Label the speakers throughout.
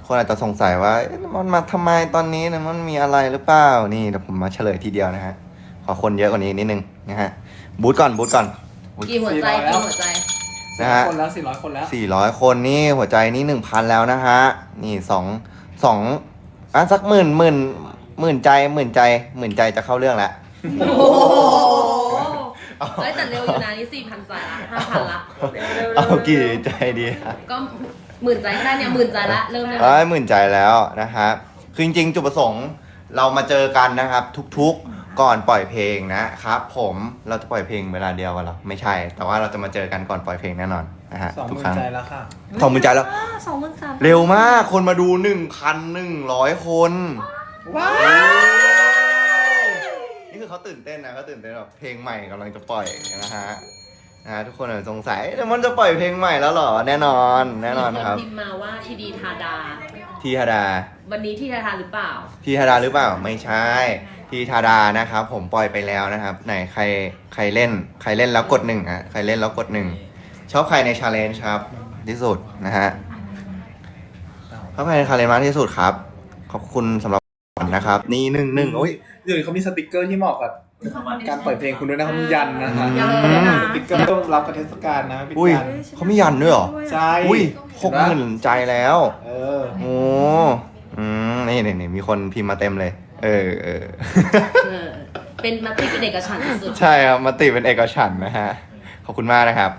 Speaker 1: คนอาจจะสงสัยว่ามันมาทำไมตอนนี้นะมันมีอะไรหรือเปล่านี่เดี๋ยวผมมาเฉลยทีเดียวนะฮะขอคนเยอะกว่านี้นิดนึงนะฮะบูธก่อนบูธก่อน
Speaker 2: กี่หัวใจกี่หัวใจ
Speaker 1: นะฮะ
Speaker 3: คนแล้ว400 คนแล้ว
Speaker 1: 400 คนนี่หัวใจนี่ 1,000 แล้วนะฮะนี่สองสักหมื่นใจจะเข้าเรื่องแล้ว
Speaker 2: โอ้โหเฮ้ยแต่เร็วอยู่นะนี่4,000 ใจละ5,000 ละเร็ว
Speaker 1: เอากี่ใจดีฮะ
Speaker 2: ก็10,000 ใจแค่เนี่ย10,000 ใจละเริ่มเลย
Speaker 1: หมื่นใจแล้วนะฮะคือจริงๆจุดประสงค์เรามาเจอกันนะครับ ทุกๆก่อนปล่อยเพลงนะครับผมเราจะปล่อยเพลงเวลาเดียวกันหรอไม่ใช่ แต่ว่าเราจะมาเจอกันก่อนปล่อยเพลงแน่นอนนะฮะทุกครั้ง
Speaker 3: 20,000 ใจแล้วค่ะ
Speaker 1: 20,000 ใจแล้ว
Speaker 2: 23,000
Speaker 1: เร็วมากคนมาดู 1,100 คน
Speaker 3: ว้าว
Speaker 1: นี่คือเขาตื่นเต้นนะเขาตื่นเต้นแบบเพลงใหม่กำลังจะปล่อยนะฮะทุกคนอาจจะสงสัยแต่มันจะปล่อยเพลงใหม่แล้วเหรอแน่นอนครับ
Speaker 2: มีนพิมพ์มาว่าทีดีทาดา
Speaker 1: ทีธาดา
Speaker 2: วันนี้ที่ทาดาหรือเปล่า
Speaker 1: ทีธาดาหรือเปล่าไม่ใช่ทีธาดานะครับผมปล่อยไปแล้วนะครับไหนใครเล่นแล้วกดหนึ่งอ่ะใครเล่นแล้วกดหนึ่งชอบใครในชาเลนจ์ครับที่สุดนะฮะชอบใครในชาเลนจ์มากที่สุดครับขอบคุณสำหรับนะครับนี่หนึ่งโอ้ย
Speaker 3: เดี๋ยวเขามีสติกเกอร์ที่เหมาะกับการปล่อยเพลงคุณด้วยนะครับมียันนะฮะ
Speaker 2: ยัน
Speaker 3: สติกเกอร์ต้องรับกับเทศกาลนะเป็น
Speaker 1: อุ้ย
Speaker 3: ยัน
Speaker 1: เขามียันด้วยเหรอ
Speaker 3: ใช่
Speaker 1: อุ้ย60,000 ใจแล้ว
Speaker 3: เออ
Speaker 1: โอ้นี่มีคนพิมพ์มาเต็มเลย เออ
Speaker 2: เออเป็นมติเป็นเอกฉันท์สุด
Speaker 1: ใช่ครับมติเป็นเอกฉันท์นะฮะ ขอบคุณมากนะครับ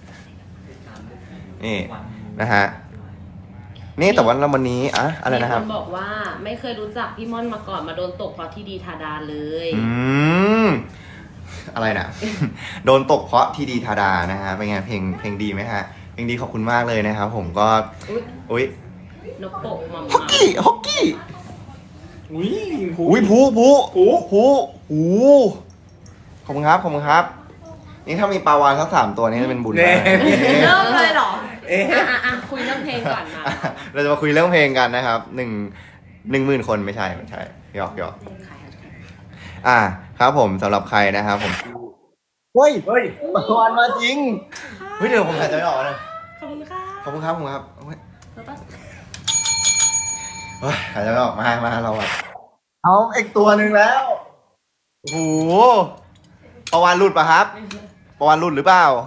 Speaker 1: นี่นะฮะ นี่แต่ว่าวันนี้อะไรนะครับ
Speaker 2: มีคนบอกว่าไม่เคยรู้จักพี่ม่อนมาก่อนมาโดนตกเพราะที่ดีทาดาเลย
Speaker 1: อะไรนะ โดนตกเพราะทีดีธาดานะฮะ เป็นไงเพลงดีไหมฮะ เพลงดีขอบคุณมากเลยนะครับผมก็ อุ้ย
Speaker 2: นกโปกมัม
Speaker 1: ฮอกกี้
Speaker 3: อุ้ย
Speaker 1: อุ้ยผูขอบคุณครับ นี่ถ้ามีปลาวานสัก3 ตัวนี้จะเป็นบุญ
Speaker 3: แน่
Speaker 1: มาก
Speaker 2: เริ่มเลยเหรอ
Speaker 3: เอ๊ะ
Speaker 2: คุยเรื่องเพลงก่อนมา
Speaker 1: เราจะมาคุยเรื่องเพลงกันนะครับ10,000 คนไม่ใช่หยอกครับผมสำหรับใครนะครับผมเฮ้ย
Speaker 3: เฮ้ย
Speaker 1: ปลาวานมาจริงเฮ้ยเดี๋ยวผมหายใจไม่ออกนะ
Speaker 2: ขอบคุณค่ะ
Speaker 1: ขอบคุณครับเฮ้ย
Speaker 2: แล้วก็
Speaker 1: หายใจไม่ออกมาเราอะเอาอีกตัวหนึ่งแล้วโอ้โหปลาวานหลุดปะครับปลาวานหลุดหรือเปล่า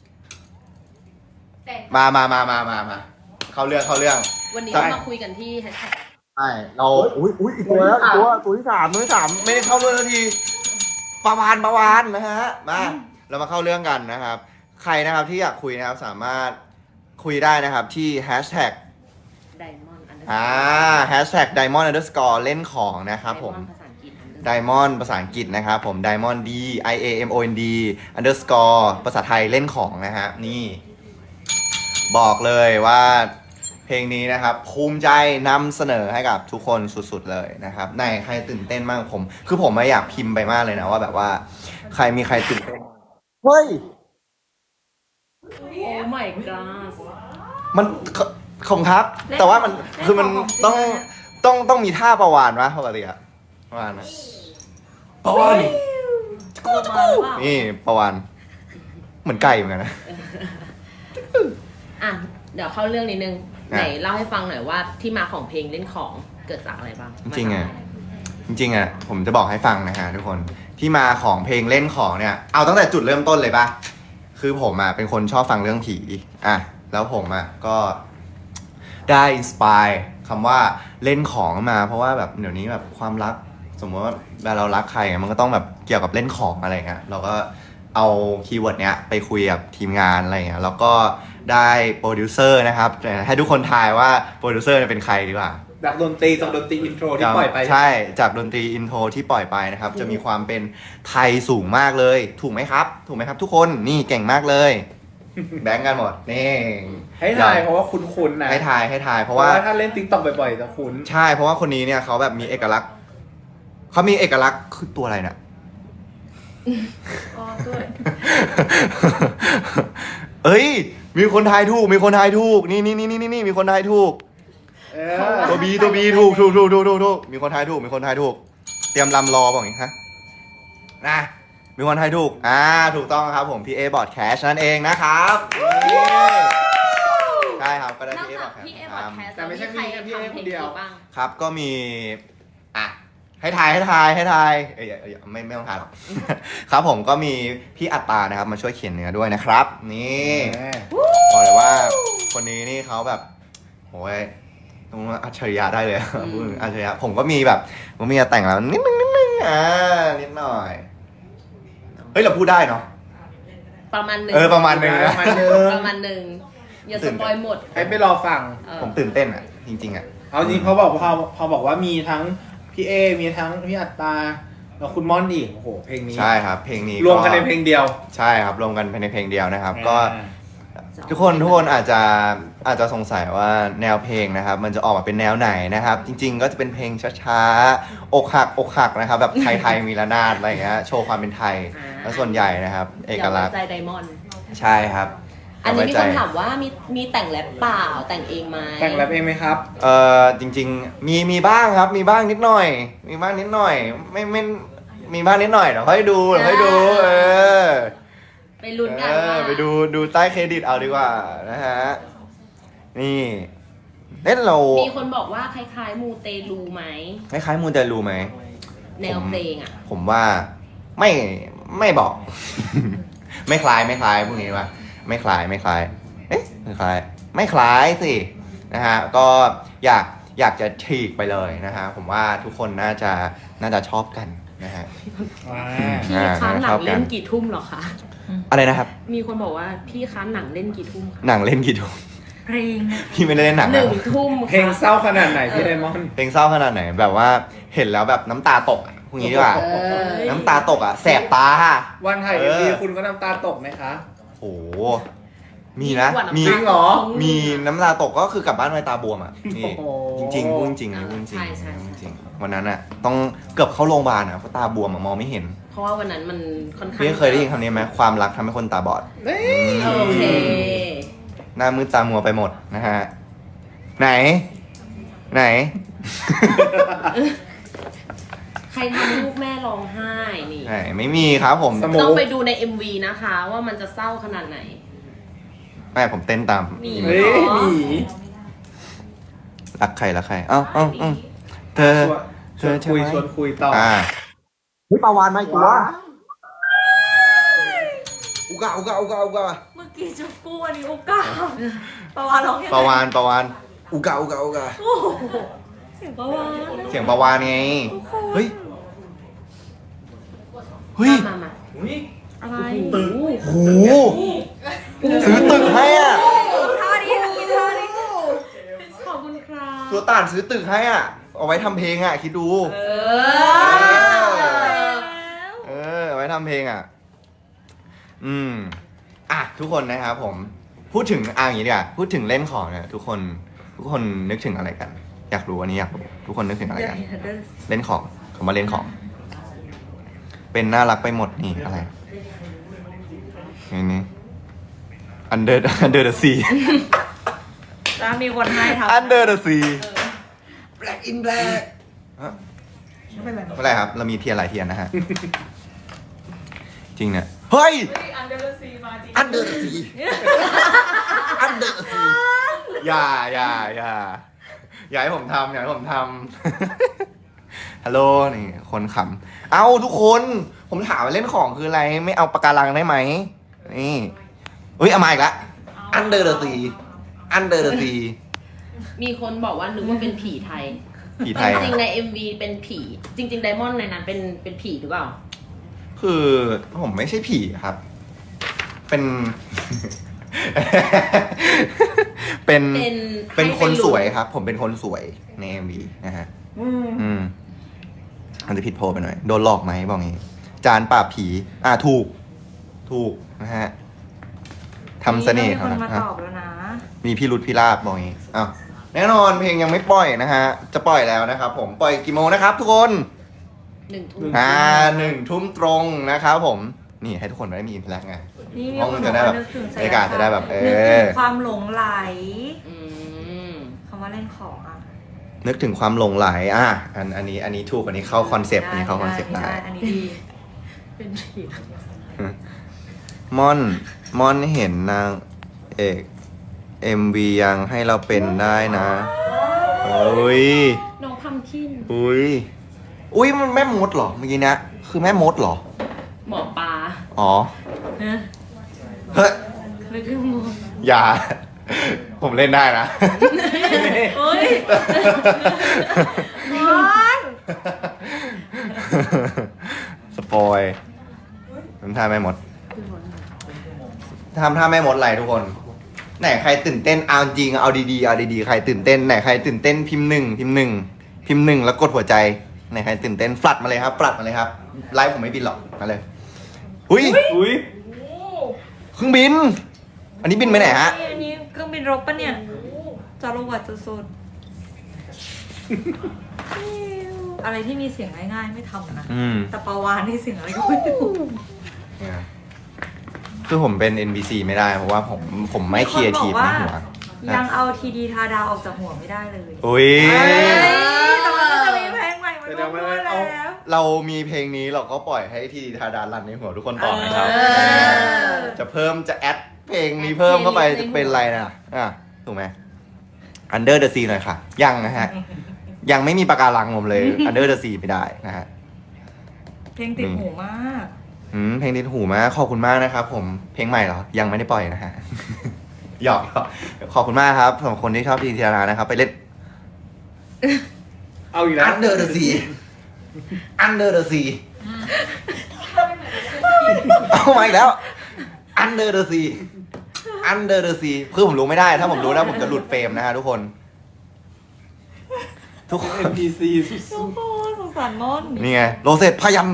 Speaker 1: มาเข้าเรื่อง
Speaker 2: วันนี้เรามาคุยกันที่แฮชแท็ก
Speaker 1: ใช่เราอุ้ยอีกตัวแล้วตัวที่สามไม่ได้เข้าเรื่องสักทีปลาวานนะฮะมาเรามาเข้าเรื่องกันนะครับ ใครนะครับที่อยากคุยนะครับสามารถคุยได้นะครับที่แฮชแท็ก
Speaker 2: Diamond
Speaker 1: Diamond underscore เล่นของนะครับผม
Speaker 2: ภาษาอังกฤษ
Speaker 1: Diamond ภาษาอังกฤษนะครับผม Diamond DIAMOND underscore ภาษาไทยเล่นของนะฮะนี่ บอกเลยว่าเพลงนี้นะครับภูมิใจนำเสนอให้กับทุกคนสุดๆเลยนะครับไหนใครตื่นเต้นมากคือผมไม่อยากพิมพ์ไปมากเลยนะว่าแบบว่าใครตื่นเต้นเฮ้ย
Speaker 2: โอ้ my god
Speaker 1: มันขมครับ แต่ว่ามันคือมันต้องมีท่าประวานวะปกติอะประวานนะ
Speaker 3: ปอน
Speaker 1: นี่ประวานเหมือนไก่เหมือนกันนะ
Speaker 2: อ่ะเดี๋ยวเข้าเรื่องนิดนึง
Speaker 1: อ่ะ
Speaker 2: ไหนเล่าให้ฟังหน่อยว่าที่มาของเพลงเล่นของเกิดจากอะไรบ้าง
Speaker 1: จริงๆอะผมจะบอกให้ฟังนะฮะทุกคนที่มาของเพลงเล่นของเนี่ยเอาตั้งแต่จุดเริ่มต้นเลยปะคือผมอะเป็นคนชอบฟังเรื่องผีแล้วผมอะก็ได้อินสปายคำว่าเล่นของมาเพราะว่าแบบเดี๋ยวนี้แบบความรักสมมติว่าเวลาเรารักใครมันก็ต้องแบบเกี่ยวกับเล่นของอะไรเงี้ยเราก็เอาคีย์เวิร์ดเนี้ยไปคุยกับทีมงานอะไรเงี้ยแล้วก็ได้โปรดิวเซอร์นะครับให้ทุกคนทายว่าโปรดิวเซอร์เป็นใครดีกว่า
Speaker 3: จากดนตรีอินโทรที่ปล่อยไป
Speaker 1: ใช่จากดนตรีอินโทรที่ปล่อยไปนะครับจะมีความเป็นไทยสูงมากเลยถูกไหมครับทุกคนนี่เก่งมากเลยแบงก์กันหมดนี่
Speaker 3: ให้ทายเพราะว่าคุ้นๆนะ
Speaker 1: ให้ทายเพ
Speaker 3: เพ
Speaker 1: ราะ
Speaker 3: ราะ
Speaker 1: ว่า
Speaker 3: ว่าถ้าเล่นติ๊กต็อกบ่อยๆจะคุ้น
Speaker 1: ใช่เพราะว่าคนนี้เนี่ยเขาแบบมีเอกลักษณ์คือตัวอะไรเนี่ย
Speaker 2: อ๋อด้วย
Speaker 1: เอ้ยมีคนทายถูกนี่มีคนทายถูก
Speaker 3: เออ
Speaker 1: ตัวบีถูกมีคนทายถูกเตรียมลำรอบอกอย่างนี้ฮะนะมีคนทายถูกถูกต้องครับผมพี่เอบอร์ดแคชนั่นเองนะครับคช่ครับก็ได้
Speaker 2: นอก
Speaker 1: พี่เอ
Speaker 2: จาก
Speaker 1: บอก
Speaker 2: พี่เอพอดแคสต์
Speaker 3: แต่ไม่ใช่มีแค่พี่เอคนเดียว
Speaker 2: บ้าง
Speaker 1: ครับก็มีอ่ะให้ทายเอ้ยไม่ต้องทายหรอก ครับผมก็มีพี่อัตตานะครับมาช่วยเขียนเนื้อด้วยนะครับ นี่บอกเลยว่าคนนี้นี่เขาแบบโอ้ยต้องอัจฉริยะได้เลยพูดถึงอัจฉริยะผมก็มีแบบผมมีแต่งแล้วนิดนึงนิดหน่อยเฮ้ยเราพูดได้เนาะ
Speaker 2: ประมาณหนึ่ง
Speaker 1: ประมาณหนึงนะ
Speaker 3: ประมาณนึง
Speaker 2: ประมาณหนึ่งอย่าสปอยหมด
Speaker 3: ให้ไปรอฟัง
Speaker 1: ผมตื่นเต้นอ่ะจริงๆอ่ะ
Speaker 3: เอาจริงพอบอกว่ามีทั้งพี่เอมีทั้งพี่อัตตาแล้วคุณม่อนอีกโอ้โหเพลงนี้
Speaker 1: ใช่ครับเพลงนี้
Speaker 3: รวมกันในเพลงเดียว
Speaker 1: ใช่ครับรวมกันในเพลงเดียวนะครับ ก็
Speaker 3: อ่า
Speaker 1: ทุกคนอาจจะสงสัยว่าแนวเพลงนะครับ มันจะออกมาเป็นแนวไหนนะครับ จริง ๆ ก็จะเป็นเพลงช้าๆอกหักนะครับ แบบไทยมีระนาดอะไรอย่างเงี้ยโชว์ความเป็นไทยแล้วส่วนใหญ่นะครับ เอกลักษณ์
Speaker 2: อย่าไว้ใจไดมอนด์
Speaker 1: ใช่ครับ
Speaker 2: อันนี้มี
Speaker 1: อย่
Speaker 2: คน
Speaker 1: ไว้ใจ
Speaker 2: ถามว่ามีแต่งแรปเปล่าแต่งเองไหม
Speaker 3: แต่งแรปเองไหมครับ
Speaker 1: จริง ๆ มีบ้างครับมีบ้างนิดหน่อย มีบ้างนิดหน่อยไม่มีบ้างนิดหน่อยเดี๋ยวค่อยดู
Speaker 2: ไปลุ้นกันว่า
Speaker 1: ไปดูใต้เครดิตเอาดีกว่านะฮะนี่เล่นเรา
Speaker 2: มีคนบอกว่าคล้ายๆมูเตลูไหม
Speaker 1: คล้ายๆมูนแต่รู้ไหม
Speaker 2: แนวเพลงอ่ะ
Speaker 1: ผมว่าไม่บอก ไม่คล้ายพวกนี้ว่าไม่คล้ายเอ๊ะไม่คล้ายสินะฮะก็อยากจะฉีกไปเลยนะฮะผมว่าทุกคนน่าจะชอบกันนะฮะ
Speaker 2: พี่คะหนังเล่นกี่ทุ่มเหรอคะ
Speaker 1: อะไรนะครับ
Speaker 2: มีคนบอกว่าพี่คะหนังเล่นกี่ทุ่มคะ
Speaker 1: หนังเล่นกี่ทุ่ม
Speaker 2: เพลง
Speaker 1: พี่ไม่ได้เล่นหนัง
Speaker 2: ห
Speaker 1: นะ
Speaker 2: นึ่งทุ่ม
Speaker 3: เพลงเศร้าขนาดไหนพี่ไดมอนด์
Speaker 1: เพลงเศร้าขนาดไหนแบบว่าเห็นแล้วแบบน้ำตาตกอะพวกนี้ดีกว่า น้ำตาตกอ่ะแสบตา
Speaker 3: วันถ่าย MV คุณก็น้ำตาตกไหมคะ
Speaker 1: โอ้โหมีนะมี
Speaker 3: จริงเหรอ
Speaker 1: มีน้ำตาตกก็คือกลับบ้านไปตาบวมอ่ะนี่
Speaker 3: โอ้โห
Speaker 1: จริงๆพูดจริงๆนี่พูดจริง
Speaker 2: ใช่
Speaker 1: พูดจริงวันนั้นอ่ะต้องเกือบเข้าโรงพยาบาลอ่ะเพราะตาบวมอ่ะมองไม่เห็น
Speaker 2: เพราะว่าวันนั้นมันค่อนข้าง
Speaker 1: พี่เคยได้ยินคำนี้ไหมความรักทำให้คนตาบอด
Speaker 2: โอเค
Speaker 1: หน้ามืดตามัวไปหมดนะฮะไหน
Speaker 2: ใครทำลูกแม่ร้องไห้นี่
Speaker 1: ไหนไม่มีครับผม
Speaker 3: สมมุ
Speaker 2: ต้องไปดูใน MV นะคะ ว่ามันจะเศร้าขนาดไหน
Speaker 1: แม่ผมเต้นตาม
Speaker 2: มี
Speaker 3: เฮ้ยหมี
Speaker 1: รักใครเอ้าเธอ
Speaker 3: ชวนคุย
Speaker 1: ใช่ไหม
Speaker 3: ชวนคุยต่อ
Speaker 1: เฮ้ยปลาวานมาอีกตัวอุกา
Speaker 4: เมื่อกี้จุกกู้อันนี้อุกาปาวาร้องยังไง
Speaker 1: ปลาวานอุกา
Speaker 4: โอ้โหเสียงปาวาน
Speaker 1: เสียงปลาวานไงเฮ้ย
Speaker 2: มา
Speaker 4: อะไร
Speaker 1: โหซื้อตึกให้อ่ะ
Speaker 4: ท่านี้กินท่านี้
Speaker 2: ขอบคุณครับ
Speaker 1: ตัวต่านซื้อตึกให้อ่ะเอาไว้ทำเพลงอ่ะคิดดูเอาไว้ทำเพลงอ่ะทุกคนนะครับผมพูดถึงอย่างนี้ดีกว่าพูดถึงเล่นของเนี่ยทุกคนนึกถึงอะไรกัน อยากรู้อันนี้อยากรู้ทุกคนนึกถึงอะไรกัน เล่นของคำว่าเล่นของ เป็นน่ารักไปหมดนี่อะไรนี่ under the sea
Speaker 4: จะมีคนให้ทำ
Speaker 1: under the sea black in black
Speaker 4: ไม่เป็นไร
Speaker 1: ไม่เป็นไรครับ เรามีเทียนหลายเทียนนะฮะ จริงเนี่ยเฮ้ย
Speaker 4: อันเดอร์ซีมาจริง
Speaker 1: under the sea under the sea อย่าให้ผมทำฮัลโหลนี่คนขำเอ้าทุกคนผมถามว่าเล่นของคืออะไรไม่เอาปากการังได้ไหมนี่เฮ้ยเอามาอีกละ under the sea
Speaker 2: มีคนบอกว่านึกว่าเป็นผีไทย
Speaker 1: ผีไทย
Speaker 2: จริงๆใน MV เป็นผี จริงๆไดมอนด์ในนั้นเป็นผีหรือเปล่า
Speaker 1: คือผมไม่ใช่ผีครับ เป็น เป็นคนสวยครับ ผมเป็นคนสวยใน MV นะฮะ อาจจะผิดโพลไปหน่อย โดนหลอกไหมบอกงี้ จานปราบผี ถูกนะฮะทำเสน่ห์
Speaker 4: มี
Speaker 1: เขา
Speaker 4: คน
Speaker 1: นะ
Speaker 4: มา
Speaker 1: ฮะ
Speaker 4: ตอบแล้วนะ
Speaker 1: มีพี่รุดพี่ลาบบอกงี้อ้าวแน่นอนเพลงยังไม่ปล่อยนะฮะ จะปล่อยแล้วนะครับผมปล่อยกี่โมงนะครับ ทุกคน
Speaker 2: 1 ทุ่ม
Speaker 1: 1 ทุ่มตรงนะครับผม นี่ให้ทุกคนได้มีอินเทอร์แอคไง
Speaker 4: นี่มี
Speaker 1: ห้อง
Speaker 4: คน
Speaker 1: จะได้แบบ
Speaker 4: นึกถึง
Speaker 1: บรรยากาศจะได้แบบ
Speaker 4: นึกถึงความหลงไหล
Speaker 2: อืม
Speaker 4: คำว่าเล่นของอ่ะ
Speaker 1: นึกถึงความหลงไหลอันนี้ถูกอันนี้เข้าคอนเซปต์อันนี้เข้าคอนเซปต์ได้
Speaker 4: อันนี้ดี
Speaker 2: เป็นผี
Speaker 1: ม่อนเห็นนางเอก MV ยังให้เราเป็นได้นะอุ้ย
Speaker 4: น้องพัมคิน
Speaker 1: อุ้ยมันแม่มดเหรอเมื่อกี้เนะคือแม่มดเหรอ
Speaker 2: หมอปลา
Speaker 1: อ๋อ
Speaker 2: นะ
Speaker 1: เฮ้ย
Speaker 2: ไม่คือหมอ
Speaker 1: อย่า ผมเล่นได้นะ
Speaker 2: เฮ้ย
Speaker 1: สปอยทำท่าแม่มดทำท่าแม่มดอะไรทุกคน ไหนใครตื่นเต้นเอาจริงเอาดีๆเอาดีๆใครตื่นเต้นไหนใครตื่นเต้นพิมพ์หนึ่งแล้วกดหัวใจไหนใครตื่นเต้นฟลัดมาเลยครับฟลัดมาเลยครับไลฟ์ผมไม่บินหรอกมาเลยอุ้ย
Speaker 3: อุ้ย
Speaker 1: เครื่องบิน อันนี้บินไปไหนฮะ
Speaker 4: อันนี้เครื่องบินรบปะเนี่ยจารวดสุดๆอะไรที่มีเสียงง่ายๆไม่ทำนะ แต่ปาวานนี่เสียงอะไรก็ไม่รู้
Speaker 1: เนี่ยคือผมเป็น NPC ไม่ได้เพราะว่าผมไม่ครีเอทีฟในหัว
Speaker 4: ยังเอาทีดีทาดาวออกจากหัวไม่ได้เลย
Speaker 1: อุ้ย
Speaker 4: แต่มันก็จะมีเพลงใหม่มาด้วยแล้ว
Speaker 1: เรามีเพลงนี้เราก็ปล่อยให้ทีทาดารันในหัวทุกคนต่อนะครับ จะเพิ่มจะแอดเพลงนี้เพิ่มเข้าไปจะเป็นอะไรนะถูกไหม Under the Sea หน่อยค่ะ ยังนะฮะ ยังไม่มีปากการังผมเลย Under the Sea ไม่ได้นะฮะ
Speaker 4: เพลงติดหูมาก
Speaker 1: เพลงติดหูมากขอบคุณมากนะครับผมเพลงใหม่เหรอ ยังไม่ได้ปล่อยนะฮะ หยอกขอบคุณมากครับสำหรับคนที่ชอบทีทาดานะครับไปเล่น
Speaker 3: เอาอีกแล้ว
Speaker 1: Under the Sea Under the Sea เอามาอีกแล้ว Under the Sea Under the Sea คือผมรู้ไม่ได้ถ้าผมรู้นะผมจะหลุดเฟรมนะฮะทุกคน ทุกคน
Speaker 3: NPC สุ
Speaker 4: โอ้
Speaker 3: ด
Speaker 4: โหสงสารม่อน
Speaker 1: นี่ไงโรเซตพยัน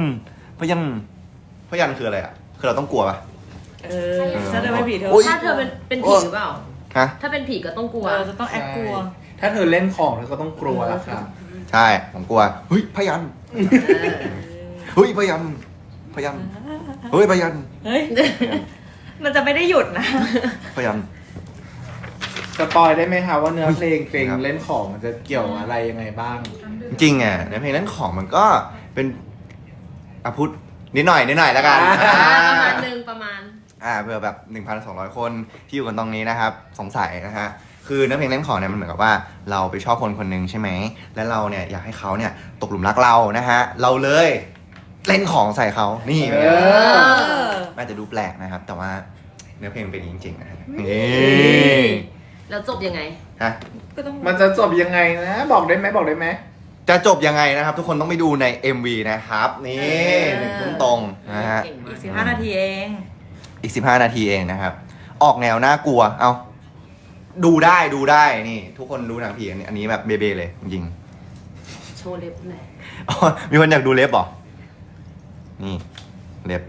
Speaker 1: คืออะไรอ่ะ คือเราต้องกลัวปะ
Speaker 4: ฉันจะไม่ผีเธอ
Speaker 1: อุ๊ย
Speaker 2: ถ้าเธอเป็นผีหรือเปล่า
Speaker 1: ฮะ
Speaker 2: ถ้าเป็นผีก็ต้องกลัว
Speaker 4: เราจะต้อง
Speaker 3: ๆ
Speaker 4: แอคกลัว
Speaker 3: ถ้าเธอเล่นของเธอก็ต้องกลัวแล้วครับ
Speaker 1: ใช่ผมกลัวเฮ้ยพยันเฮ้ยพยันเฮ้ยพยัน
Speaker 4: เฮ้ย มันจะไม่ได้หยุดนะ
Speaker 1: พยัน
Speaker 3: สปอยได้ไหมคะว่าเนื้อเพลง
Speaker 1: ครับ
Speaker 3: เล่นของมันจะเกี่ยวอะไรยังไงบ้าง
Speaker 1: จริงๆอ่ะในเพลงนั้นของมันก็เป็นพูดนิดหน่อยแล้วกัน
Speaker 2: ประมาณนึงประมาณ
Speaker 1: เพื่อแบบ 1,200 คนที่อยู่กันตรงนี้นะครับ สงสัยนะฮะคือเนื้อเพลงเล่นของเนี่ยมันเหมือนกับว่าเราไปชอบคนคนหนึ่งใช่ไหมแล้วเราเนี่ยอยากให้เขาเนี่ยตกหลุมรักเรานะฮะเราเลยเล่นของใส่เขานี่เป็นไง
Speaker 3: เออ
Speaker 1: น่าจะดูแปลกนะครับ แต่ว่าเนื้อเพลงเป็นอย่างนี้จริงๆนะฮะนี่
Speaker 2: แล้วจบยังไง
Speaker 1: ฮะ
Speaker 4: ก็ต้อง
Speaker 3: มันจะจบยังไงนะ บอกได้ไหม
Speaker 1: จะจบยังไงนะครับ ทุกคนต้องไปดูใน MV นะครับนี่1 ทุ่มตรงนะฮะ
Speaker 2: เก่งมาก
Speaker 4: อีก15 นาทีเอง
Speaker 1: อีก15 นาทีเองนะครับ ออกแนวน่ากลัวเอาดูได้นี่ ทุกคนดูหนังผีอันนี้แบบเบๆเลยจริง
Speaker 2: โชว์เล็บหน่อย
Speaker 1: ๆอ๋อมีคนอยากดูเล็บเหรอนี่เล็บ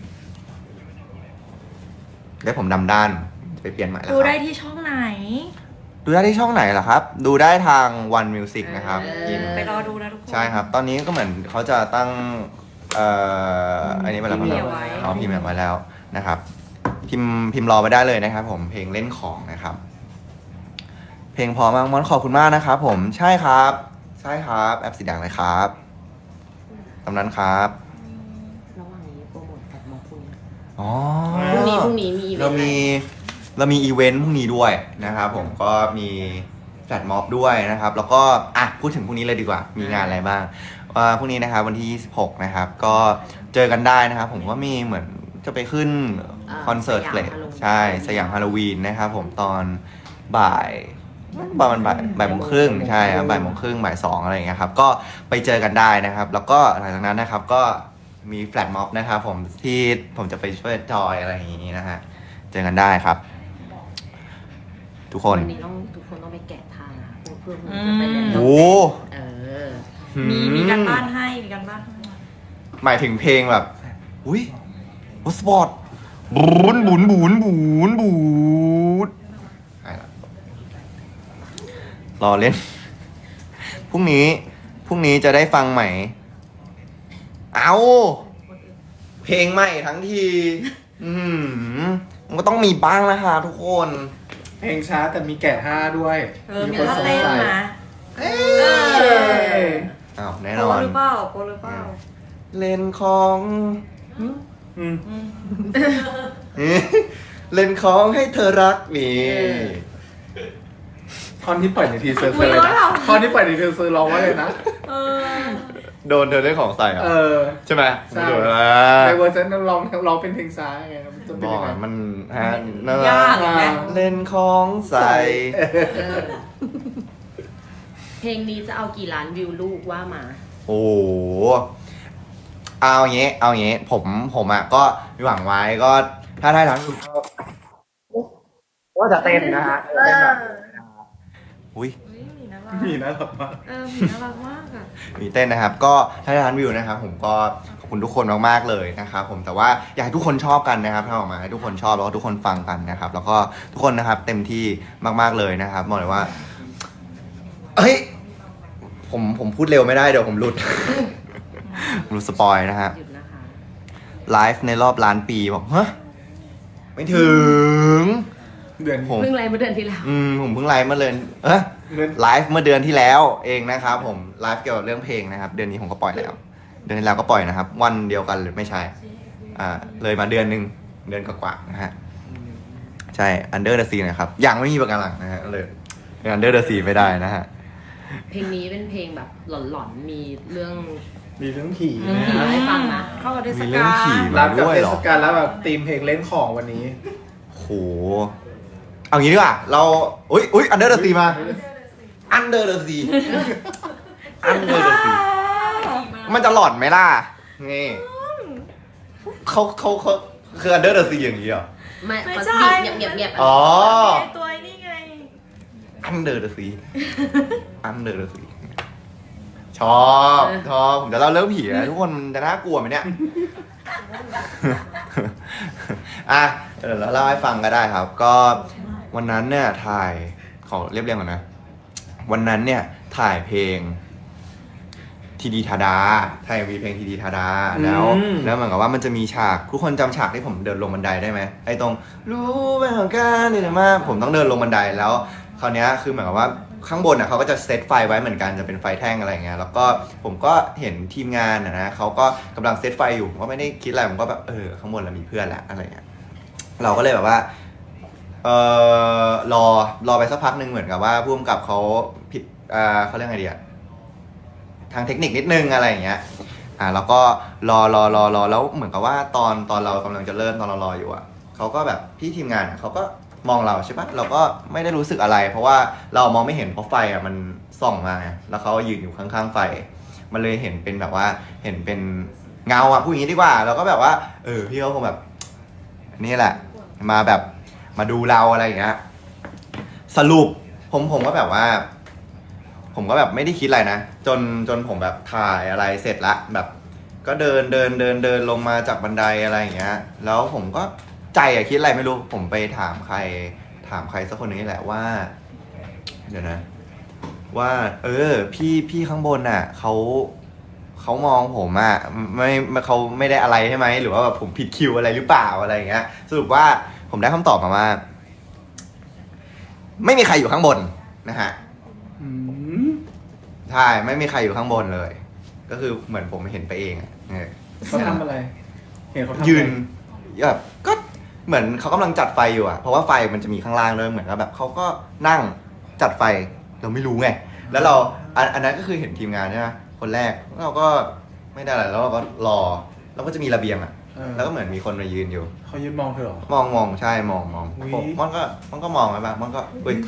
Speaker 1: ผมดำด้านไปเปลี่ยนใหม่แล้ว
Speaker 4: ดู
Speaker 1: ค
Speaker 4: ได้
Speaker 1: รับ
Speaker 4: ที่ช่องไหน
Speaker 1: ดูได้ที่ช่องไหนล่ะครับ ดูได้ทาง One Music นะครับพิมพ์
Speaker 4: ไปรอดูนะทุกคน
Speaker 1: ใช่ครับ ตอนนี้ก็เหมือนเขาจะตั้งอันนี้ไปแล้ว
Speaker 3: พิมพ์
Speaker 1: ครับ
Speaker 3: เอาไว้
Speaker 1: อ๋อพิมพ์แบบไว้แล้วนะครับ พิมพ์รอไปได้เลยนะครับ ผมเพลงเล่นของนะครับ เพลงพอมากมอนขอบคุณมากนะครับผมใช่ครับแอปสีแดงเลยครับตำนั้นครับ
Speaker 2: ระหว่างนี้โปรโมทแบบมอพรุ่งนี้
Speaker 1: อ๋อ
Speaker 2: พรุ่งนี้มีอีเวนต์
Speaker 1: เรามีอีเวนต์พรุ่งนี้ด้วยนะครับผมก็มีแฟลชม็อบด้วยนะครับ แล้วก็พูดถึงพรุ่งนี้เลยดีกว่ามีงานอะไรบ้างพรุ่งนี้นะครับวันที่26นะครับก็เจอกันได้นะครับผมก็มีเหมือนจะไปขึ้นคอนเสิร์ตเพลงใช่สยามฮาโลวีนนะครับผมตอนบ่ายประมาณบ่ายโมงครึ่งใช่ครับบ่ายโมงครึ่งบ่าย2อะไรอย่างเงี้ยครับก็ไปเจอกันได้นะครับ แล้วก็หลังจากนั้นนะครับก็มีแฟลชม็อบนะครับผมที่ผมจะไปช่วยจอยอะไรอย่างงี้นะฮะเจอกันได้ครับ ทุกคน
Speaker 2: วันนี้ทุกคนต้องไปแกะทางนะเพื่อนๆจะไปเรียน
Speaker 1: โอ้
Speaker 2: เออ
Speaker 4: มีการบ้านให้มีการบ้านให้
Speaker 1: หมายถึงเพลงแบบอุ้ยสปอร์ตบูนใช่ละรอเล่น พรุ่งนี้จะได้ฟังใหม่ เอาเพลงใหม่ทั้งทีมันก็ต้องมีบ้างนะคะทุกคน
Speaker 3: เพลงช้าแต่มีแกะท่าด้วย
Speaker 4: มี
Speaker 3: คน
Speaker 4: ท่า
Speaker 3: สง
Speaker 4: เต้น
Speaker 3: สัย
Speaker 4: นะ
Speaker 1: อ้าวแน่
Speaker 4: โป
Speaker 1: นอน
Speaker 4: หรือเปล่าโปหรือเปล่า
Speaker 1: เล่นของ
Speaker 3: อืม
Speaker 1: เล่นของให้เธอรักนี่
Speaker 3: ท่อนที่ปล่อยในทีเซอร์คืออะไรนะท่อนที่ปล่อยในทีเซอร์ร้องว่าเลยนะ
Speaker 4: เออ
Speaker 1: โดนเธอเล่นของใส่เหรอ
Speaker 3: เออ
Speaker 1: ใช่ไหม
Speaker 3: ใช่
Speaker 1: ผมดูแล้ว
Speaker 3: ในเวอร์ชันนั้นร้องเป็นเพลงช้าไงมันจะเป็น
Speaker 1: บอ
Speaker 3: ยังไง
Speaker 1: กมันฮะน่ารั
Speaker 4: ยาก
Speaker 1: ก
Speaker 4: ไหม
Speaker 1: เล่นของใส่
Speaker 2: เออเพลงนี้จะเอากี่ล้านวิวลูกว่ามา
Speaker 1: โอ้โหเอาอย่างงี้ผมอ่ะก็มีหวังไว้ก็ถ้าได้ทั้งก็จะเต้นนะฮะเต้นแบบอุ้ย
Speaker 4: อุ๊ยหมีน่ารัก
Speaker 3: มีนะหรอมา
Speaker 4: หมีน่ารักมากอ่ะ
Speaker 1: มีเต้นนะครับ ก็ถ้าได้ล้านวิวนะครับผมก็ขอบคุณทุกคนมากๆเลยนะครับผมแต่ว่าอยากให้ทุกคนชอบกันนะครับถ้าออกมาให้ทุกคนชอบแล้วก็ทุกคนฟังกันนะครับ แล้วก็ทุกคนนะครับเต็มที่มากๆเลยนะครับบอกเลยว่าเฮ้ยผมพูดเร็วไม่ได้เดี๋ยวผมหลุด ผมหลุดสปอยนะฮะ
Speaker 2: หยุดนะคะ
Speaker 1: ไลฟ์ในรอบล้านปีบอกฮะไม่ถึง
Speaker 3: เดือน
Speaker 1: ผม
Speaker 2: เพิ่งไลฟ์เมื่อเดือนที่แล้ว
Speaker 1: ผมเพิ่งไลฟ์เมื่อเดือน
Speaker 3: เดือน
Speaker 1: ไลฟ์เมื่อเดือนที่แล้วเองนะครับผมไลฟ์เกี่ยวกับเรื่องเพลงนะครับ เดือนนี้ผมก็ปล่อยแล้ว เดือนที่แล้วก็ปล่อยนะครับ วันเดียวกันหรือไม่ใช่เลยมาเดือนหนึ่งเดือนกว่าๆนะฮะใช่ Under the Sea นะครับยังไม่มีประกันหลังนะฮะเลย Under the Sea ไม่ได้นะฮะ
Speaker 2: เพลงนี้เป็นเพลงแบบหลอนๆ มีเรื่อง
Speaker 3: มีเรื่องผี
Speaker 2: เรื่อง
Speaker 3: นะ
Speaker 2: ผี
Speaker 3: ฮะ
Speaker 2: ให้ฟังนะ
Speaker 4: เข้ากับเทศ
Speaker 1: มีเรื่
Speaker 4: กา
Speaker 1: อง
Speaker 4: ล
Speaker 1: ผี
Speaker 3: รับกับ
Speaker 1: ด้วย
Speaker 3: เท
Speaker 1: เหรอ
Speaker 3: ศกาลแล้วแบบธีมเพลงเล่นของวันนี้
Speaker 1: โหเอางี้ดีกว่าเราอุ้ย Under the Sea มา Under the Sea Under the Sea มันจะหลอนไหมล่ะนี่เขาคือ Under the Sea อย่างนี้เหรอ
Speaker 2: ไม่
Speaker 4: ไม่
Speaker 2: มัน
Speaker 4: ใช่
Speaker 2: เงียบๆ
Speaker 1: อ๋อ
Speaker 4: ตัวนี่ไง
Speaker 1: Under the Sea Under the Sea ชอบผมจะเล่าเรื่องผีนะทุกคนมันจะน่ากลัวไหมเนี่ย อ่ะเดี๋ยวเราเล่าให้ฟังก็ได้ครับ ก็วันนั้นเนี่ยถ่ายขอเรียบเรียงก่อนนะ วันนั้นเนี่ยถ่ายเพลงทีดีทาดาถ่ายมีเพลงทีดีทาดาแล้วเหมือนกับว่ามันจะมีฉากทุกคนจำฉากที่ผมเดินลงบันไดได้ไหมไอ้ตรงรู้ไหมของการนี่มากผมต้องเดินลงบันไดแล้วคราวนี้คือเหมือนกับว่าข้างบนเขาก็จะเซตไฟไว้เหมือนกันจะเป็นไฟแท่งอะไรเงี้ยแล้วก็ผมก็เห็นทีมงานนะเขาก็กำลังเซตไฟอยู่ผมก็ไม่ได้คิดอะไรผมก็แบบข้างบนเรามีเพื่อนแล้วอะไรเงี้ยเราก็เลยแบบว่ารอไปสักพักหนึ่งเหมือนกับว่าผู้กำกับเขาผิดเขาเรียกไงดีอะทางเทคนิคนิดนึงอะไรอย่างเงี้ยแล้วก็รอแล้วเหมือนกับว่าตอนเรากำลังจะเริ่มตอนเรารออยู่เขาก็แบบพี่ทีมงานเขาก็มองเราใช่ปะเราก็ไม่ได้รู้สึกอะไร เพราะว่าเรามองไม่เห็นเพราะไฟมันส่องมาแล้วเขายืนอยู่ข้างๆไฟมันเลยเห็นเป็นแบบว่าเห็นเป็นเงาพูดอย่างนี้ดีกว่าเราก็แบบว่าพี่เขาคงแบบนี่แหละมาแบบมาดูเราอะไรอย่างเงี้ยสรุปผมก็แบบว่าผมก็แบบไม่ได้คิดอะไรนะจนผมแบบถ่ายอะไรเสร็จละแบบก็เดินลงมาจากบันไดอะไรอย่างเงี้ยแล้วผมก็ใจคิดอะไรไม่รู้ผมไปถามใครสักคนนึงนี่แหละว่าเดี๋ยวนะว่าพี่ข้างบนเขามองผมไม่เขาไม่ได้อะไรใช่ไหมหรือว่าแบบผมผิดคิวอะไรหรือเปล่าอะไรอย่างเงี้ยสรุปว่าผมได้คำตอบมาว่าไม่มีใครอยู่ข้างบนนะฮะใช่ไม่มีใครอยู่ข้างบนเลย ก็คือเหมือนผมเห็นไปเอง
Speaker 3: เขาทำอะไรเห็นเขาทำอะไร
Speaker 1: ยืนแบบก็เหมือนเขากำลังจัดไฟอยู่เพราะว่าไฟมันจะมีข้างล่างด้วยเหมือนกับแบบเขาก็นั่งจัดไฟเราไม่รู้ไงแล้วเราอันนั้นก็คือเห็นทีมงานใช่ไหมคนแรกเราก็ไม่ได้อะไรแล้วเราก็รอแล้วก็จะมีระเบียงแล้วก็เหมือนมีคนมายืนอยู่
Speaker 3: เขายืนมองเธอเหรอ
Speaker 1: มองใช่มอง
Speaker 3: อุ๊ย
Speaker 1: มันก็มองไปบ้างมันก็เฮ้ย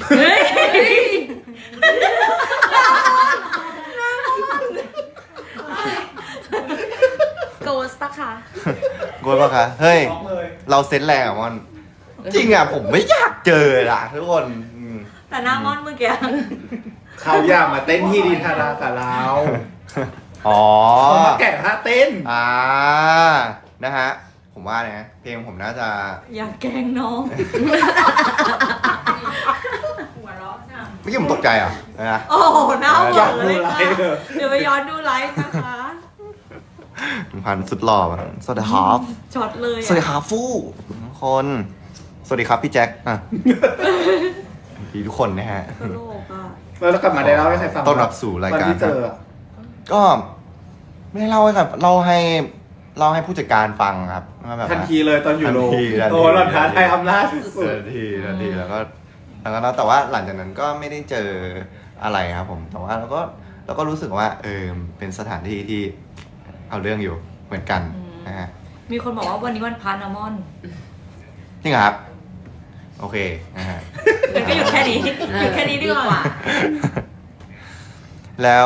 Speaker 2: โกสปะคะ
Speaker 1: กลัวปะคะเฮ้ย
Speaker 3: ร้องเลย
Speaker 1: เราเซนส์แรงมันจริงผมไม่อยากเจอทุกคน
Speaker 4: แต่หน้ามอนเมื่อกี้
Speaker 3: เขาอยากมาเต้นที่ดีทารากับเรา
Speaker 1: อ๋อ
Speaker 3: เขามาแกะท่าเต้น
Speaker 1: นะฮะผมว่านะเพลงผมน่าจะ
Speaker 4: อย่าแกล้งน้อง
Speaker 1: เมื่อกี้ผมตกใจนะ
Speaker 4: โอ้โหหน้าหว
Speaker 3: อยาน ก
Speaker 4: เล
Speaker 3: ดู
Speaker 4: ย
Speaker 3: ไล
Speaker 4: ค่ะ
Speaker 3: ฟ์เลย
Speaker 4: เดี๋ยวไปย้อนดูไลฟ์นะคะ
Speaker 1: พันสุดหล่อสวัสดีครับ
Speaker 4: ช็อตเลย
Speaker 1: สวัสดีครับฟู่ทุกคนสวัสดีครับพี่แจ็คดีทุกคนนะฮะ
Speaker 4: ตลกอ่ะ
Speaker 3: แล้วเรากลับมาได้เล่าให้ใครฟัง
Speaker 1: ต้อนรับสู่รายการ
Speaker 3: วันที่เจอ
Speaker 1: ก็ไม่ได้เล่าให้ครับเล่าเล่าให้ผู้จัดการฟังครับว่าแบบ
Speaker 3: ทัน
Speaker 1: ว่า
Speaker 3: ทีเลยตอนอยู่โรง
Speaker 1: ทันที
Speaker 3: โอ้เราท้าทายอำนาจสุด
Speaker 1: ทันทีแล้วก็แต่ว่าหลังจากนั้นก็ไม่ได้เจออะไรครับผมแต่ว่าเราก็รู้สึกว่าเป็นสถานที่ที่เอาเรื่องอยู่เหมือนกันนะฮะ
Speaker 4: มีคนบอกว่าวันนี้วันพานะมอน
Speaker 1: จริงเหรอครับ โอเคนะฮะ
Speaker 4: งั้นก็หยุดแค่นี้หยุดแค่นี้ดีกว่า
Speaker 1: แล้ว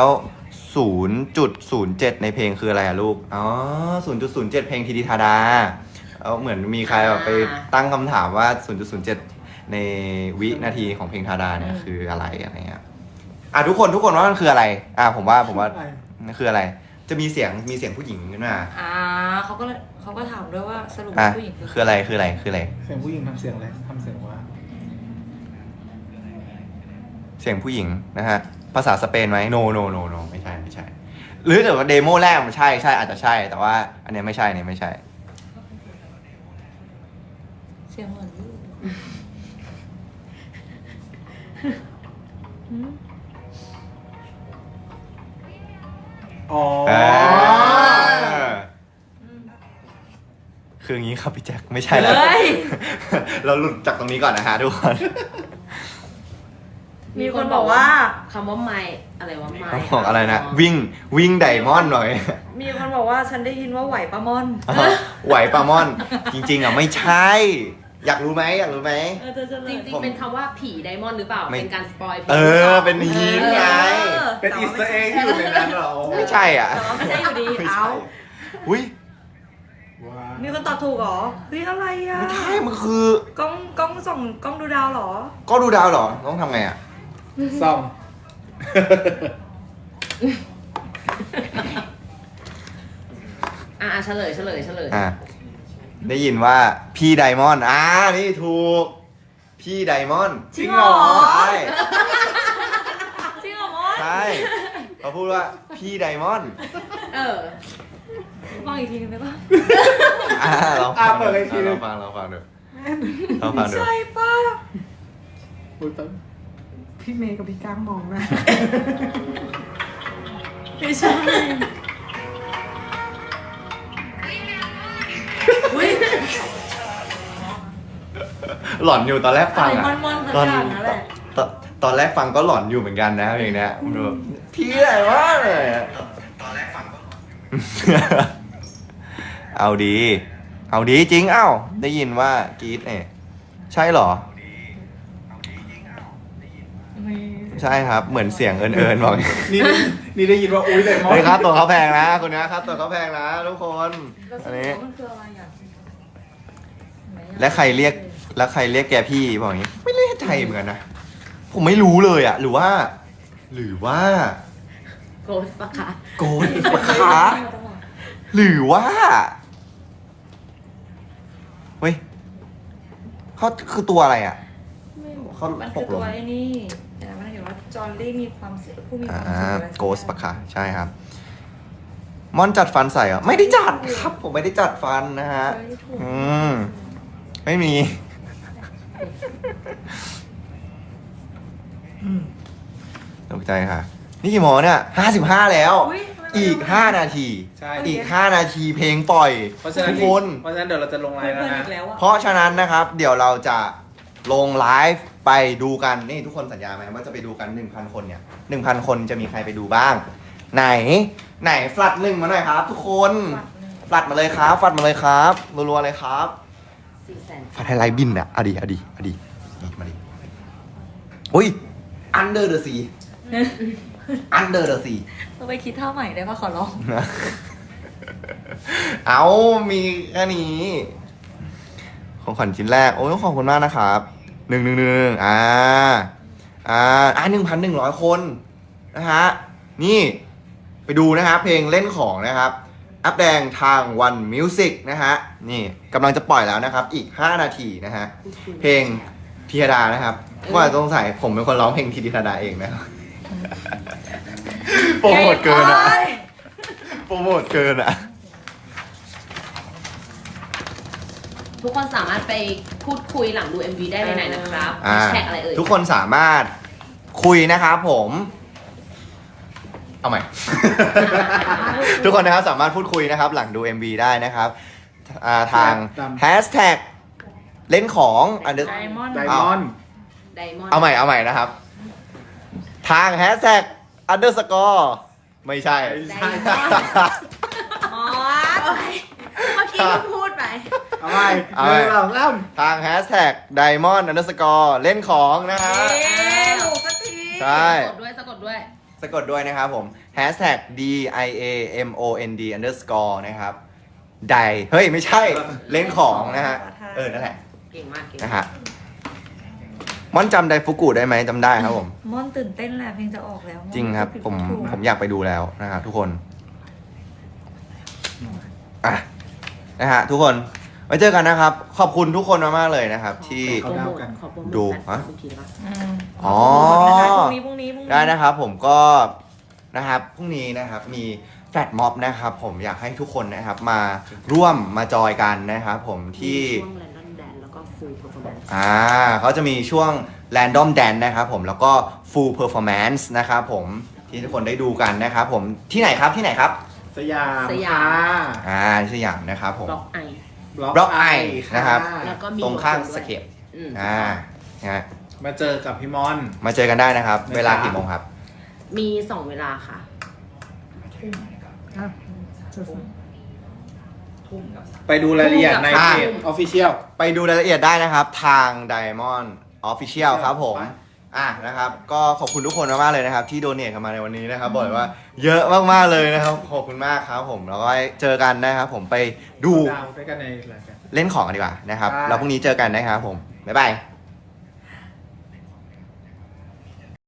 Speaker 1: 0.07 ในเพลงคืออะไรอะลูก อ๋อ 0.07 เพลงทีดีทาดาเหมือนมีใครแบบไปตั้งคำถามว่า 0.07 ในวินาทีของเพลงทาดาเนี่ยคืออะไรเงี้ยทุกคนว่ามันคืออะไร ผมว่ามันคืออะไร จะมีเสียงผู้หญิงขึ้นมา
Speaker 4: เขาก็ถามด้วยว่าสรุป ผู้หญิง
Speaker 1: คืออะไร
Speaker 3: ๆเสียงผู้หญิงทำเสียงอะไรทำเสียงว่า
Speaker 1: เสียงผู้หญิงนะฮะ ภาษาสเปนไหม no ไม่ใช่ หรือแต่ว่าเดโมแรกมันใช่อาจจะใช่ แต่ว่าอันเนี้ยไม่ใช่เนี่ยไม่ใช่
Speaker 4: เสียงเหมือนลูก
Speaker 3: อ๋อ
Speaker 1: คืออย่างนี้ครับพี่แจ็คไม่ใช่แล้ว เราหลุดจากตรงนี้ก่อนนะฮะทุกคน
Speaker 4: มีคนบอกว่า
Speaker 2: คำว่าไม้อะไรวะไม้
Speaker 1: ต้องบอกอะไรนะ วิ่งไดมอนด์หน่อย
Speaker 4: มีคนบอกว่าฉันได้ยินว่าไหวปะมอน
Speaker 1: ไหวปลามอน จริงๆไม่ใช่ อยากรู้ไหม
Speaker 2: จริงๆเป็นคำว่าผีไดมอนด์หรือเปล่า
Speaker 1: ไม่
Speaker 2: เป็นการสปอยล์
Speaker 1: เป็นฮีนไง
Speaker 3: เป็นอีสเตอร์เอ็กที่อยู่ในนั้นเหรอ
Speaker 1: ไม่ใช่อ่ะ
Speaker 4: แต่ว่าไม่ใช่อยู่ดี
Speaker 1: ไม่ใช่
Speaker 4: เอา
Speaker 1: อุ้ย
Speaker 3: ว้า
Speaker 4: มีคนตอบถูกเหรอเฮ้ยอะไรอ่ะ
Speaker 1: ไม่ใช่มันคือก
Speaker 4: ล้องส่องกล้องดูดาวเหรอ
Speaker 1: ก็ดูดาวเหรอ ต้องทำไงอ่ะ
Speaker 3: ซ่อม
Speaker 2: เฉลย
Speaker 1: ได้ยินว่าพี่ไดมอนด์นี่ถูก พี่ไดมอนด์
Speaker 4: จริงเหรอ
Speaker 1: ใช่
Speaker 4: จริงเหรอมอน
Speaker 1: ใช่เขาพูดว่าพี่ไดมอนด์
Speaker 4: ฟังอีกทีนึงได้ปะ
Speaker 1: เรา
Speaker 3: เปิดเลยทีนึง
Speaker 1: เราฟังดู
Speaker 4: ไม่ใช่ป่ะ
Speaker 3: อุ๊ยแป๊บ
Speaker 5: พี่เมย์กับพี่ก้างมองหนะ
Speaker 4: ไม่ใช่อุ้ย
Speaker 1: หลอนอยู่ตอนแรกฟังอ่ะ
Speaker 4: มอนสักอย่างนั่นแหละ
Speaker 1: ตอนแรกฟังก็หลอนอยู่เหมือนกันนะเพลงเนี้ยมันแบบพี่ไดมอนด์เลยอะตอนแรกฟังก็เอาดีจริงได้ยินว่ากรี๊ดเนี่ยใช่เหรอ ใช่ครับ เหมือนเสียงเอิญบอก
Speaker 3: นี่ได้ยินว่าอุ้ยไดมอน
Speaker 1: เฮ้ย
Speaker 3: ด์
Speaker 1: ครับตัวเขาแพงนะคนนี้ครับตัวเขาแพงนะทุกคน อันนี้
Speaker 4: มันคืออะไรอ่ะ
Speaker 1: และใครเรียกแกพี่บอกอย่างนี้ ไม่เรียกไทยเหมือนกันนะ ผมไม่รู้เลยอะหรือว่า
Speaker 2: โกสปะคะ
Speaker 1: โกนปะคะหรือว่าเฮ้ยเขาคือตัวอะไรอะเขา
Speaker 4: มัน
Speaker 1: ห
Speaker 4: คือก
Speaker 1: ล
Speaker 4: ตั
Speaker 1: ง
Speaker 4: วไอ้นี่แต่มันเห็นว่าจอร์ลี่มีความสุขผู้มีความสุขอะไรสัก
Speaker 1: โกสปะคะใช่ครับ มอนจัดฟันใส่เหรอไม่ได้จัดครับ ผมไม่ได้จัดฟันนะฮะ ไม่มี ตกใจค่ะ นี่กี่โมงเนี่ย55 แล้ว
Speaker 4: อุ๊ย
Speaker 1: อีก 5 นาที
Speaker 3: ใช่
Speaker 1: อีก 5 นาทีเพลงปล่อย
Speaker 3: เพราะฉะนั้น
Speaker 1: ทุกคน
Speaker 3: เดี๋ยวเราจะลงไล
Speaker 4: เพื่
Speaker 3: น์แล้ว
Speaker 4: อนๆ
Speaker 3: นะ
Speaker 4: อีกแล้วอ่ะ
Speaker 1: เพราะฉะนั้นนะครับ เดี๋ยวเราจะลงไลฟ์ไปดูกัน นี่ทุกคนสัญญาไหมว่าจะไปดูกัน 1,000 คนเนี่ย 1,000 คนจะมีใครไปดูบ้าง ไหนฟลัดหนึ่งมาหน่อยครับ ทุกคนฟลัดมาเลยครับฟลัดมาเลยครับรัวๆเลยครับ
Speaker 2: 400,000
Speaker 1: ฟลัดไฮไลท์บินอ่ะเอาดีมาดิอุ้ย Under the Sea Under the Sea
Speaker 4: เราไปคิดท่าใหม่ได้ปะขอร้อง
Speaker 1: เอามีแค่นี้ ของขวัญชิ้นแรก โอ้ยขอบคุณมากนะครับ1111,100 คนนะฮะ นี่ ไปดูนะครับเพลงเล่นของนะครับ อัพแดงทาง One Music นะฮะ นี่กำลังจะปล่อยแล้วนะครับ อีก 5 นาทีนะฮะ เพลงธีรดานะครับว่าต้องใส่ผมเป็นคนร้องเพลงธีรดาเองนะครับ โปรโมทเกินอ่ะ โปรโมทเกินอ่ะ
Speaker 2: ทุกคนสามารถไปพูดคุยหลังดู MV ได้ในไหนนะครับแฮชแท็กอะไรเอ่ย
Speaker 1: ทุกคนสามารถคุยนะครับผมเอาใหม่ ทุกคนนะครับสามารถพูดคุยนะครับ หลังดู MV ได้นะครับทาง hashtag เล่นของ
Speaker 4: ไดมอนด์
Speaker 3: ไดมอนด์
Speaker 2: ไดมอนด์
Speaker 1: เอาใหม่นะครับ ทาง hashtag underscore ไม่ใช่
Speaker 2: ไดมอนด์
Speaker 4: อ๋อเมื่อกี้เพิ่งพูดไป
Speaker 3: เอาไป
Speaker 1: เอา
Speaker 3: ห
Speaker 1: ไป
Speaker 3: นึ่งสองสาม
Speaker 1: ทาง hashtag diamond underscore เล่นของนะฮะ
Speaker 4: เอ๊ะถูกสักที
Speaker 1: ใช่
Speaker 2: สะกดด้วยสะกดด้วย
Speaker 1: สะกดด้วยนะครับผม hashtag diamond underscore นะครับไดเฮ้ย ไม่ใช่เล่นของนะฮะ นั่นแหละ
Speaker 2: เก่งมากเก่ง
Speaker 1: นะฮะม่อนจำไดฟุกุได้ไหมจำได้ครับผม
Speaker 4: ม่อนตื่นเต้นแหละเพลงจะออกแล้ว
Speaker 1: จริงครับ ผมอยากไปดูแล้วนะครับทุกคนอ่ะนะฮะทุกคนไว้เจอกันนะครับ ขอบคุณทุกคนมากๆเลยนะครับ ที่
Speaker 2: ขอโปรโมทขอโปรโมท
Speaker 1: ดู
Speaker 2: แฟน
Speaker 1: ฮะ
Speaker 2: คลับอีกทีได้ปะ
Speaker 1: อ๋อ
Speaker 4: พรุ่งนี้
Speaker 1: ได้นะครับผมก็นะครับพรุ่งนี้นะครับมีแฟลตม็อบนะครับ ผมอยากให้ทุกคนนะครับมาร่วมมาจอยกันนะครับผมที่
Speaker 2: ช่วง Random Dance แล้วก็ Full Performance
Speaker 1: เขาจะมีช่วง Random Dance นะครับผมแล้วก็ Full Performance นะครับผมที่ทุกคนได้ดูกันนะครับผมที่ไหนครับที่ไหนครับ
Speaker 3: สยาม
Speaker 2: สยาม
Speaker 3: ค่ะ
Speaker 1: สยามนะครับผม
Speaker 2: บล็อกไอ
Speaker 1: บล็อกไอนะครับ
Speaker 2: แล้วก็มี
Speaker 1: ตรงข้าง
Speaker 2: โลโก้ด้วย
Speaker 1: สเคป
Speaker 2: อืม
Speaker 1: นะฮะ
Speaker 3: มาเจอกับพี่มอน
Speaker 1: มาเจอกันได้นะครับ
Speaker 3: นะครับ
Speaker 1: เวลากี่โมงครับ
Speaker 2: มี 2 เวลาค่ะ
Speaker 3: ไปดูรายละเอียดใน
Speaker 1: อ่า
Speaker 3: เพจ Official
Speaker 1: ไปดูรายละเอียดได้นะครับทาง Diamond Official ครับผม นะครับ ก็ขอบคุณทุกคนมากๆเลยนะครับ ที่โดเนทกันมาในวันนี้นะครับบอกเลยว่าเยอะมากๆเลยนะครับ ขอบคุณมากครับผมแล้วก็เจอกันนะครับผมไปดู
Speaker 3: ดาวด้วยกันในรายการ
Speaker 1: เล่นของกันดีกว่านะครับ
Speaker 3: ใช่
Speaker 1: แล้วพรุ่งนี้เจอกันนะครับผม บ๊ายบาย